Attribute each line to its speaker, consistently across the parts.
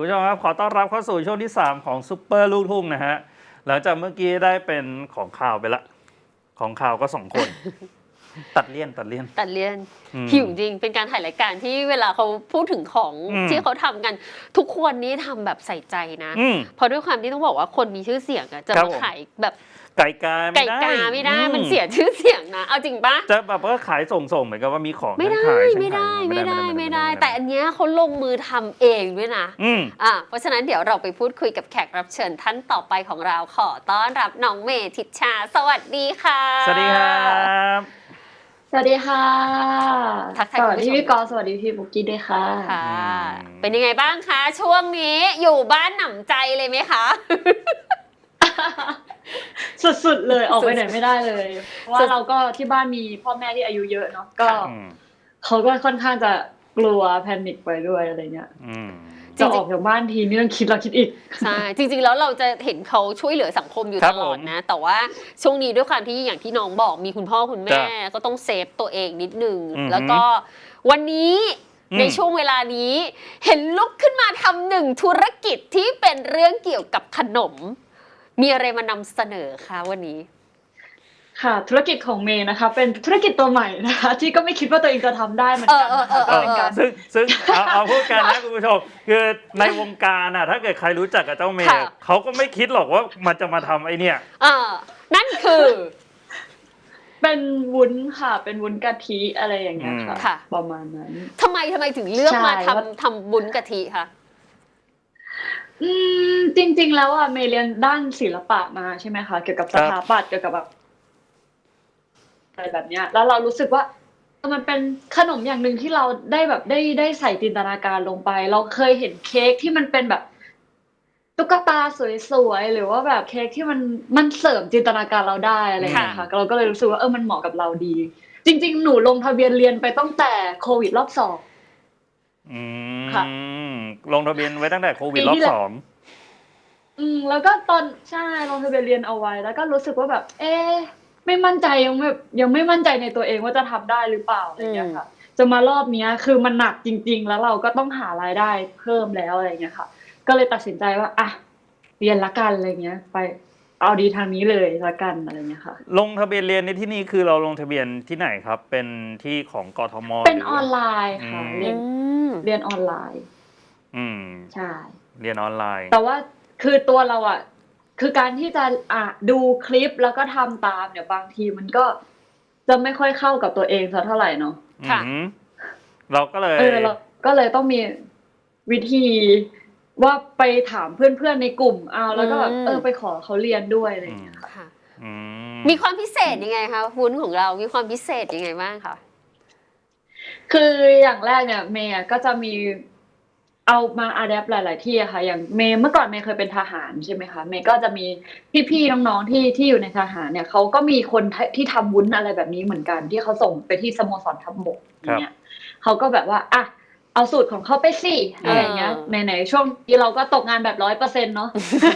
Speaker 1: ผู้ชมครับขอต้อนรับเข้าสู่ช่วงที่3ของซุปเปอร์ลูกทุ่งนะฮะหลังจากเมื่อกี้ได้เป็นของข่าวไปละของข่าวก็2คนตัดเลี่ยน
Speaker 2: หิวจริงเป็นการถ่ายรายการที่เวลาเขาพูดถึงของที่เขาทำกันทุกคนนี้ทำแบบใส่ใจนะเพราะด้วยความที่ต้องบอกว่าคนมีชื่อเสียงอะจะมาขายแบบ
Speaker 1: ไก่กาไม่ได้
Speaker 2: มันเสียชื่อเสียงนะเอาจริงปะ
Speaker 1: จะแบบว่าขายส่งเหมือนกับว่ามีของ
Speaker 2: ไม่ได้แต่อันเนี้ยเขาลงมือทำเองด้วยนะเพราะฉะนั้นเดี๋ยวเราไปพูดคุยกับแขกรับเชิญท่านต่อไปของเราขอต้อนรับน้องเมย์ทิชชาสวัสดีค่ะ
Speaker 1: สวัสดีครับ
Speaker 3: สวัสดีค่ะสวัสดีพี่กอสวัสดีพี่บุกกี้ด้วยค่ะ
Speaker 2: เป็นยังไงบ้างคะช่วงนี้อยู่บ้านหนำใจเลยไหมคะ
Speaker 3: สุดๆเลยออกไปไหนไม่ได้เลยเพราะว่าเราก็ที่บ้านมีพ่อแม่ที่อายุเยอะเนาะก็เขาก็ค่อนข้างจะกลัวแพนิคไปด้วยอะไรเงี้ยจะออกจากบ้านทีนี่ต้องคิดแล้วคิดอีก
Speaker 2: ใช่จริงๆแล้วเราจะเห็นเขาช่วยเหลือสังคมอยู่ตลอดนะแต่ว่าช่วงนี้ด้วยความที่อย่างที่น้องบอกมีคุณพ่อคุณแม่ก็ต้องเซฟตัวเองนิดนึงแล้วก็วันนี้ในช่วงเวลานี้เห็นลุกขึ้นมาทำหนึ่งธุรกิจที่เป็นเรื่องเกี่ยวกับขนมมีอะไรมานำเสนอคะวันนี้
Speaker 3: ค่ะธุรกิจของเมย์นะคะเป็นธุรกิจตัวใหม่นะคะที่ก็ไม่คิดว่าตัวเองจะทำได้เหมือนกัน
Speaker 1: ก็เป็นการซึ่งเอาพูดกันนะคุณผู้ชมคือในวงการอ่ะถ้าเกิดใครรู้จักกับเจ้าเมย์เขาก็ไม่คิดหรอกว่ามันจะมาทำไอเนี่ย
Speaker 2: นั่นคือ
Speaker 3: เป็นวุ้นค่ะเป็นวุ้นกะทิอะไรอย่างเงี้ยค่ะประมาณนั้น
Speaker 2: ทำไมถึงเลือกมาทำวุ้นกะทิคะ
Speaker 3: จริงๆแล้วอ่ะเมย์เรียนด้านศิลปะมาใช่ไหมคะเกี่ยวกับสถาปัตย์เกี่ยวกับแบบอะไรแบบเนี้ยแล้วเรารู้สึกว่ามันเป็นขนมอย่างหนึ่งที่เราได้แบบได้ใส่จินตนาการลงไปเราเคยเห็นเค้กที่มันเป็นแบบตุ๊กตาสวยๆหรือว่าแบบเค้กที่มันเสริมจินตนาการเราได้อะไรอย่างเงี้ยค่ะเราก็เลยรู้สึกว่ามันเหมาะกับเราดีจริงๆหนูลงทะเบียนเรียนไปตั้งแต่โควิดรอบ2ค่ะ
Speaker 1: ลงทะเบียนไว้ตั้งแต่โควิดรอบ2
Speaker 3: แล้วก็ใช่ลงทะเบียนเรียนเอาไว้แล้วก็รู้สึกว่าแบบไม่มั่นใจยังไม่มั่นใจในตัวเองว่าจะทำได้หรือเปล่าอะไรอย่างเงี้ยค่ะจะมารอบนี้คือมันหนักจริงๆแล้วเราก็ต้องหารายได้เพิ่มแล้วอะไรอย่างเงี้ยค่ะก็เลยตัดสินใจว่าเรียนละกันอะไรเงี้ยไปเอาดีทางนี้เลยละกันอะไรเงี้ยค่ะ
Speaker 1: ลงทะเบียนเรียนในที่นี่คือเราลงทะเบียนที่ไหนครับเป็นที่ของกทม
Speaker 3: เป็นออนไลน์ค่ะเรียนออนไลน์ใช่
Speaker 1: เรียนออนไลน์
Speaker 3: แต่ว่าคือตัวเราอ่ะคือการที่จะดูคลิปแล้วก็ทำตามเนี่ยบางทีมันก็จะไม่ค่อยเข้ากับตัวเองสักเท่าไหร่เนาะ
Speaker 2: ค่ะ
Speaker 1: เราก็เลย
Speaker 3: เราก็เลยต้องมีวิธีว่าไปถามเพื่อนๆในกลุ่มแล้วก็ไปขอเขาเรียนด้วยอะไรอย่างเงี้ยค่ะ
Speaker 2: มีความพิเศษยังไงคะวุ้นของเรามีความพิเศษยังไงบ้างคะ
Speaker 3: คืออย่างแรกเนี่ยเมย์ก็จะมีเอามาอะแดปหลายๆที่อะค่ะอย่างเมย์เมื่อก่อนเมย์เคยเป็นทหารใช่ไหมคะเมย์ก็จะมีพี่ๆน้องๆที่อยู่ในทหารเนี่ยเขาก็มีคนที่ทำวุ้นอะไรแบบนี้เหมือนกันที่เขาส่งไปที่สโมสรทัพบกอย่างเงี้ยเขาก็แบบว่าเอาสูตรของเขาไปสิอะไรเงี้ยไหนๆช่วงนี้เราก็ตกงานแบบ 100% เนาะ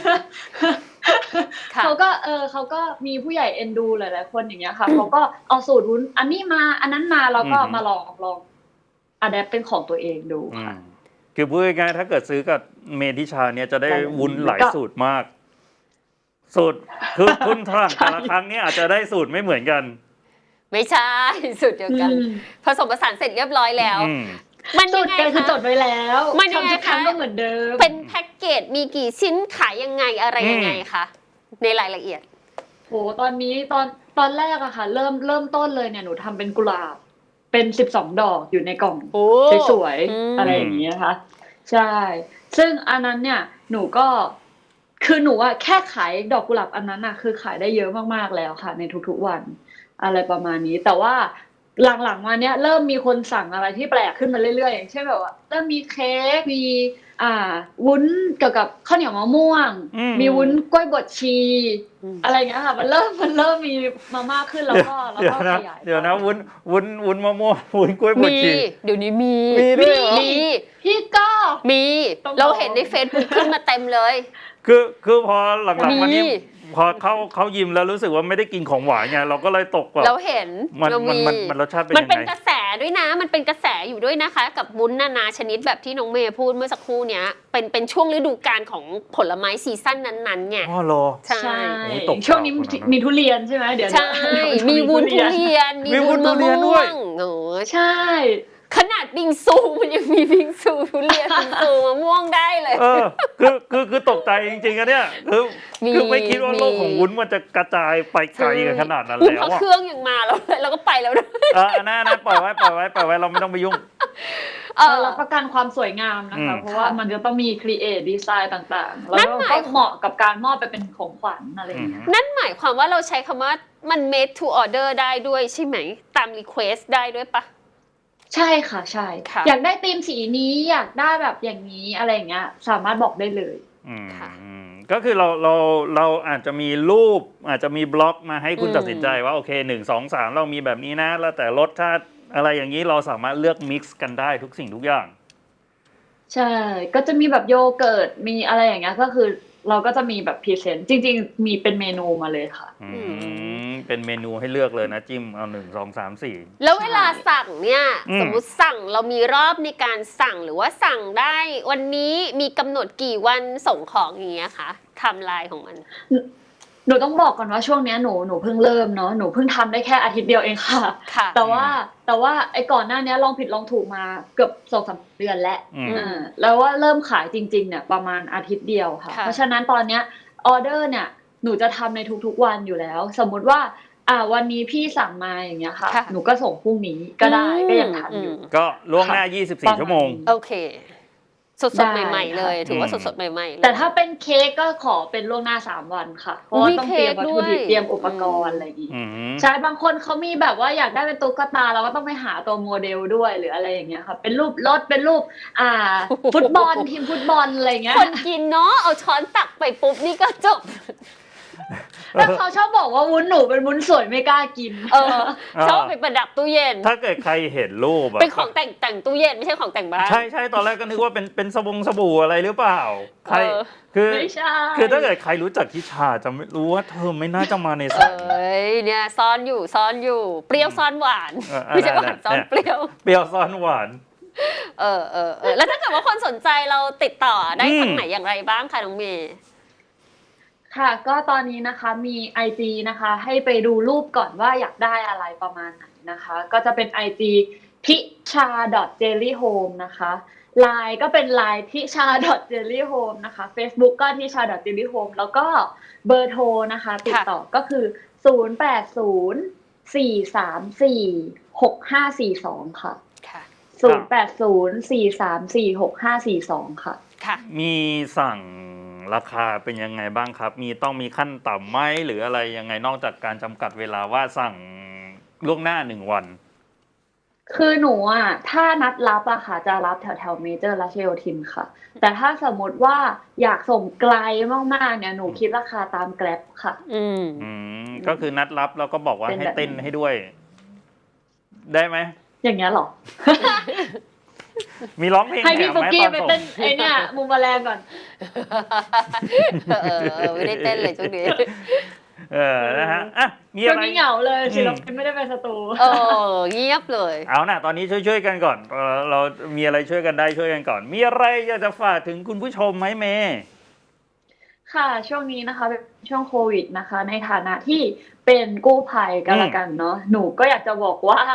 Speaker 3: เขาก็มีผู้ใหญ่เอ็นดูหลายๆคนอย่างเงี้ยค่ะเขาก็เอาสูตรวุ้นอันนี้มาอันนั้นมาแล้วก็มาลองอะแดปเป็นของตัวเองดูค่ะ
Speaker 1: คือพูดง่ายๆถ้าเกิดซื้อกับเมทิชาเนี่ยจะได้วุ้นหลายสูตรมากสูตรคือคุณทางแต่ละครั้งเนี่ยอาจจะได้สูตรไม่เหมือนกัน
Speaker 2: ไม่ใช่สูตรเดียวกันผสมผสานเสร็จเรียบร้อยแล้ว
Speaker 3: มันยังไงคือจดไว้แล้วทำทุกครั้งก็เหมือนเดิม
Speaker 2: เป็นแพ็กเกจมีกี่ชิ้นขายยังไงอะไรยังไงคะในรายละเอียด
Speaker 3: โหตอนนี้ตอนแรกอะค่ะเริ่มต้นเลยเนี่ยหนูทำเป็นกุหลาบเป็น12ดอกอยู่ในกล่องสวยๆอะไรอย่างนี้นะคะใช่ซึ่งอันนั้นเนี่ยหนูก็คือหนูอะแค่ขายดอกกุหลาบอันนั้นอะคือขายได้เยอะมากๆแล้วค่ะในทุกๆวันอะไรประมาณนี้แต่ว่าหลังๆมาเนี้ยเริ่มมีคนสั่งอะไรที่แปลกขึ้นมาเรื่อยๆอย่างเช่นแบบว่าเริ่มมีเค้กมีวุ้นเกี่ยวกับข้าวเหนียวมะม่วงมีวุ้นกล้วยบดชีอะไรอย่างเงี้ยค่ะมันเริ่มมีมามากขึ้นแล้วก็ขยาย
Speaker 1: เดี๋ยวนะวุ้นมะม่วงวุ้นกล้วยบดชี
Speaker 2: เดี๋ยวนี้มี
Speaker 3: พี่ก็
Speaker 2: มีเราเห็นใน Facebook ขึ้นมาเต็มเลย
Speaker 1: คือพอหลังๆมานี้พอเขายิ้มแล้วรู้สึกว่าไม่ได้กินของหวานไงเราก็เลยตกแบบ
Speaker 2: เราเห็น
Speaker 1: มันรสชาติเป็นยังไง
Speaker 2: มันเป็นกระแสด้วยนะมันเป็นกระแสอยู่ด้วยนะคะ กับวุ้นนานาชนิดแบบที่น้องเมย์พูดเมื่อสักครู่เนี้ยเป็นช่วงฤดูกาลของผลไม้ซีซั่นนั้นๆไง
Speaker 1: อ๋อเหรอ
Speaker 2: ใช่
Speaker 1: โอ้ยตก
Speaker 3: ช่วงนี้
Speaker 1: ข่าวขนาดนั้น
Speaker 3: มีทุเรียนใช่ไหมเดี๋ยว
Speaker 2: ใช่ มีวุ้นทุเรียน มีวุ้นมะม่วงโอ้
Speaker 3: ใช่
Speaker 2: ขนาดบิงซูมันยังมีบิงซูทุเรียนบิงซูมะม่วงได้เลย
Speaker 1: คือตกใจจริงๆอะเนี่ยคือไม่คิดว่าโลกของวุ้นมันจะกระจายไปไกลกันขนาดนั้น
Speaker 2: วุ้น
Speaker 1: แล้ว
Speaker 2: พอ
Speaker 1: อะ
Speaker 2: เครื่องยังมาแล้วเราก็ไปแล้วนะ
Speaker 1: น่าปล่อยไว้เราไม่ต้องไปยุ่ง
Speaker 3: รับประกันความสวยงามนะคะ เพราะว่ามันจะต้องมีครีเอทดีไซน์ต่างๆ แล้วก็เหมาะกับการมอบไปเป็นของขวัญอะไรอย่างเงี้ย
Speaker 2: นั่นหมายความว่าเราใช้คำว่ามัน made to order ได้ด้วยใช่ไหมตาม request ได้ด้วยปะ
Speaker 3: ใช่ค่ะใช่
Speaker 2: ค่ะ
Speaker 3: อยากได้ธีมสีนี้อยากได้แบบอย่างนี้อะไรอย่างเงี้ยสามารถบอกได้เลย
Speaker 2: ค่ะ
Speaker 1: ก็คือเราอาจจะมีรูปอาจจะมีบล็อกมาให้คุณตัดสินใจว่าโอเค1 2 3เรามีแบบนี้นะแล้วแต่รสชาติอะไรอย่างนี้เราสามารถเลือกมิกซ์กันได้ทุกสิ่งทุกอย่าง
Speaker 3: ใช่ก็จะมีแบบโยเกิร์ตมีอะไรอย่างเงี้ยก็คือเราก็จะมีแบบพรีเซนต์จริงๆมีเป็นเมนูมาเลยค่ะ
Speaker 1: เป็นเมนูให้เลือกเลยนะจิ้มเอา1 2 3 4
Speaker 2: แล้วเวลาสั่งเนี่ยสมมุติสั่งเรามีรอบในการสั่งหรือว่าสั่งได้วันนี้มีกำหนดกี่วันส่งของอย่างเงี้ยคะไทม์ไลน์ของมัน
Speaker 3: หนูต้องบอกก่อนว่าช่วงนี้หนูเพิ่งเริ่มเนาะหนูเพิ่งทำได้แค่อาทิตย์เดียวเองค่ะ แต่ว่าไอ้ก่อนหน้านี้ลองผิดลองถูกมาเกือบ2-3 เดือนแล้วแล้วว่าเริ่มขายจริงๆเนี่ยประมาณอาทิตย์เดียวค่ะเพราะฉะนั้นตอนเนี้ยออเดอร์เนี่ยหนูจะทำในทุกๆวันอยู่แล้วสมมุติว่าวันนี้พี่สั่งมาอย่างเงี้ยค่ะหนูก็ส่งพรุ่งนี้ก็ได้ก็ยังทันอยู่
Speaker 1: ก็ล่วงหน้า24 ชั่วโมง
Speaker 2: โอเคสดๆใหม่ๆเลยถือว่าสดๆใหม่ๆเลย
Speaker 3: แต่ถ้าเป็นเค้กก็ขอเป็นล่วงหน้า3 วันค่ะเพราะว่าต้องเตรียมวัตถุดิบเตรียมอุปกรณ์อะไรอย่างงี้ใช่บางคนเขามีแบบว่าอยากได้เป็นตุ๊กตาเราก็ต้องไปหาตัวโมเดลด้วยหรืออะไรอย่างเงี้ยค่ะเป็นรูปรถเป็นรูปฟุตบอลทีมฟุตบอลอะไรเงี้ย
Speaker 2: คนกินเนาะเอาช้อนตักไปปุ๊บนี่ก็จบ
Speaker 3: แล้วเขาชอบบอกว่าวุ้นหนูเป็นวุ้นสวยไม่กล้ากิน
Speaker 2: ชอบไปประดับตู้เย็น
Speaker 1: ถ้าเกิดใครเห็นรูป
Speaker 2: เป็นของแต่งตู้เย็นไม่ใช่ของแต่งบ้าน
Speaker 1: ใช่ตอนแรกก็นึกว่าเป็นสบู่อะไรหรือเปล่าใครคือถ้าเกิดใครรู้จักทิชาจะไม่รู้ว่าเธอไม่น่าจะมาในสาย
Speaker 2: เนี่ยซ่อนอยู่เปรี้ยวซ่อนหวานไม่ใช่หวานซ่อนเปรี้
Speaker 1: ยวซ่อนหวาน
Speaker 2: แล้วถ้าเกิดว่าคนสนใจเราติดต่อได้ทางไหนอย่างไรบ้างคะน้องเมย์
Speaker 3: ค่ะก็ตอนนี้นะคะมี IG นะคะให้ไปดูรูปก่อนว่าอยากได้อะไรประมาณไหนนะคะก็จะเป็น IG ทิชา .jellyhome นะคะ LINE ก็เป็น LINE ทิชา .jellyhome นะคะ Facebook ก็ทิชา .jellyhome แล้วก็เบอร์โทรนะคะติดต่อก็คือ0804346542ค่ะ0804346542ค่ะ
Speaker 1: มีสั่งราคาเป็นยังไงบ้างครับต้องมีขั้นต่ำไหมหรืออะไรยังไงนอกจากการจำกัดเวลาว่าสั่งล่วงหน้า1 วัน
Speaker 3: คือหนูถ้านัดรับค่ะจะรับแถวเมเจอร์รัชโยธินค่ะแต่ถ้าสมมติว่าอยากส่งไกลมากๆเนี่ยหนูคิดราคาตามแกร็บค่ะ
Speaker 1: ก็คือนัดรับแล้วก็บอกว่าให้เต้นให้ด้วยได้ไหม
Speaker 3: อย่างเงี้ยหรอ
Speaker 1: มีร้องเพลง
Speaker 3: ให้พี่ฟุกกี้ไปเต้นไอเนี่ยมุมแมลงก่อน
Speaker 2: ไม่ได้เต้นเลยช่วงนี้
Speaker 1: นะฮะมีอะไร
Speaker 3: เหงาเลยศิลปินไม่ได้ไปสตู
Speaker 2: เงียบเลย
Speaker 1: เอานะตอนนี้ช่วยกันก่อนเรามีอะไรช่วยกันได้ช่วยกันก่อนมีอะไรอยากจะฝากถึงคุณผู้ชมไหมเมย์
Speaker 3: ค่ะช่วงนี้นะคะเป็นช่วงโควิดนะคะในฐานะที่เป็นกู้ภัยกันละกันเนาะหนูก็อยากจะบอกว่า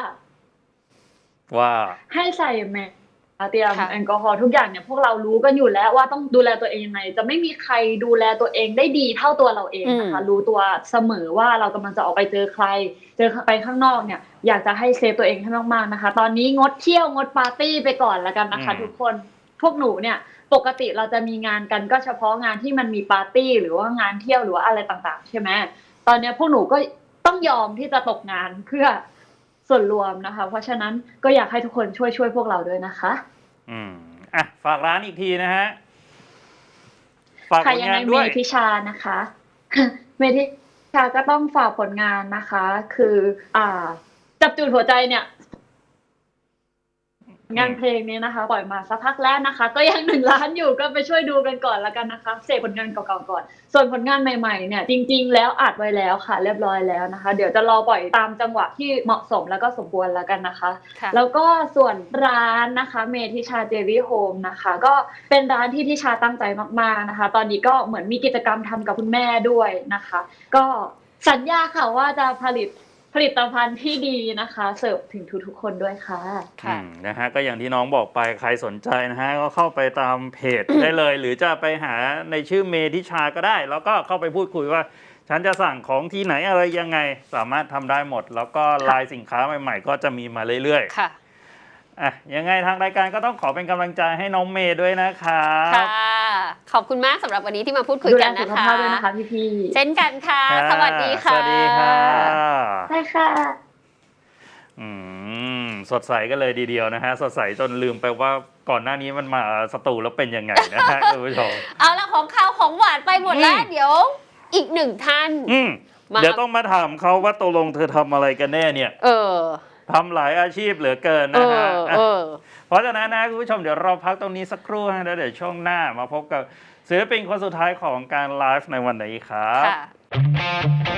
Speaker 3: ให้ใส่แมสเตรียมแอลกอฮอล์ทุกอย่างเนี่ยพวกเรารู้กันอยู่แล้วว่าต้องดูแลตัวเองยังไงจะไม่มีใครดูแลตัวเองได้ดีเท่าตัวเราเองนะคะรู้ตัวเสมอว่าเรากำลังจะออกไปเจอใครไปข้างนอกเนี่ยอยากจะให้เซฟตัวเองให้มากๆนะคะตอนนี้งดเที่ยวงดปาร์ตี้ไปก่อนแล้วกันนะคะทุกคนพวกหนูเนี่ยปกติเราจะมีงานกันก็เฉพาะงานที่มันมีปาร์ตี้หรือว่างานเที่ยวหรือว่าอะไรต่างๆใช่ไหมตอนนี้พวกหนูก็ต้องยอมที่จะตกงานเพื่อส่วนรวมนะคะเพราะฉะนั้นก็อยากให้ทุกคนช่วยพวกเราด้วยนะคะ
Speaker 1: ฝากร้านอีกทีนะฮะฝากผลงาน
Speaker 3: ด้วยเมทิชานะคะเมทิชาก็ต้องฝากผลงานนะคะคือจับจูดหัวใจเนี่ยงานเพลงนี้นะคะปล่อยมาสักพักแล้วนะคะก็ยัง1 ล้านอยู่ก็ไปช่วยดูกันก่อนแล้วกันนะคะเสพผลงานเก่าๆก่อนส่วนผลงานใหม่ๆเนี่ยจริงๆแล้วอัดไว้แล้วค่ะเรียบร้อยแล้วนะคะเดี๋ยวจะรอปล่อยตามจังหวะที่เหมาะสมแล้วก็สมควรแล้วกันนะคะแล้วก็ส่วนร้านนะคะเมทิชาเจลลี่โฮมนะคะก็เป็นร้านที่ทิชาตั้งใจมากๆนะคะตอนนี้ก็เหมือนมีกิจกรรมทำกับคุณแม่ด้วยนะคะก็สัญญาค่ะว่าจะผลิตภัณฑ์ที่ดีนะคะเสิร์ฟถึงทุกๆคนด้วยค่ะ
Speaker 1: นะฮะก็อย่างที่น้องบอกไปใครสนใจนะฮะก็เข้าไปตามเพจ ได้เลย หรือจะไปหาในชื่อเมทิชาก็ได้ แล้วก็เข้าไปพูดคุยว่าฉันจะสั่งของที่ไหนอะไรยังไงสามารถทำได้หมด แล้วก็ลายสินค้าใหม่ๆก็จะมีมาเรื่อยๆ
Speaker 2: ค่ะ
Speaker 1: ยังไงทางรายการก็ต้องขอเป็นกำลังใจให้น้องเมย์ด้วยนะครับ
Speaker 2: ค่ะขอบคุณมากสำหรับวันนี้ที่มาพูดคุยกันนะคะ
Speaker 3: ดูแลสุขภาพด้วยนะคะพี่
Speaker 2: ๆเช่นกันค่ะสวัสดีค่ะ
Speaker 1: สวัสดีค่ะ
Speaker 3: ใช่ค่ะ
Speaker 1: สดใสกันเลยทีเดียวนะฮะสดใสจนลืมไปว่าก่อนหน้านี้มันมาสตูแล้วเป็นยังไงนะฮะคุณผู้ชม
Speaker 2: เอาละของข้าวของหวานไปหมดแล้วเดี๋ยวอีก1 ท่าน
Speaker 1: เดี๋ยวต้องมาถามเขาว่าตกลงเธอทำอะไรกันแน่เนี่ยทำหลายอาชีพเหลือเกินนะฮะเพราะฉะนั้นนะคุณผู้ชมเดี๋ยวเราพักตรงนี้สักครู่นะเดี๋ยวช่วงหน้ามาพบกับศิลปินคนสุดท้ายของการไลฟ์ในวันนี้ครับ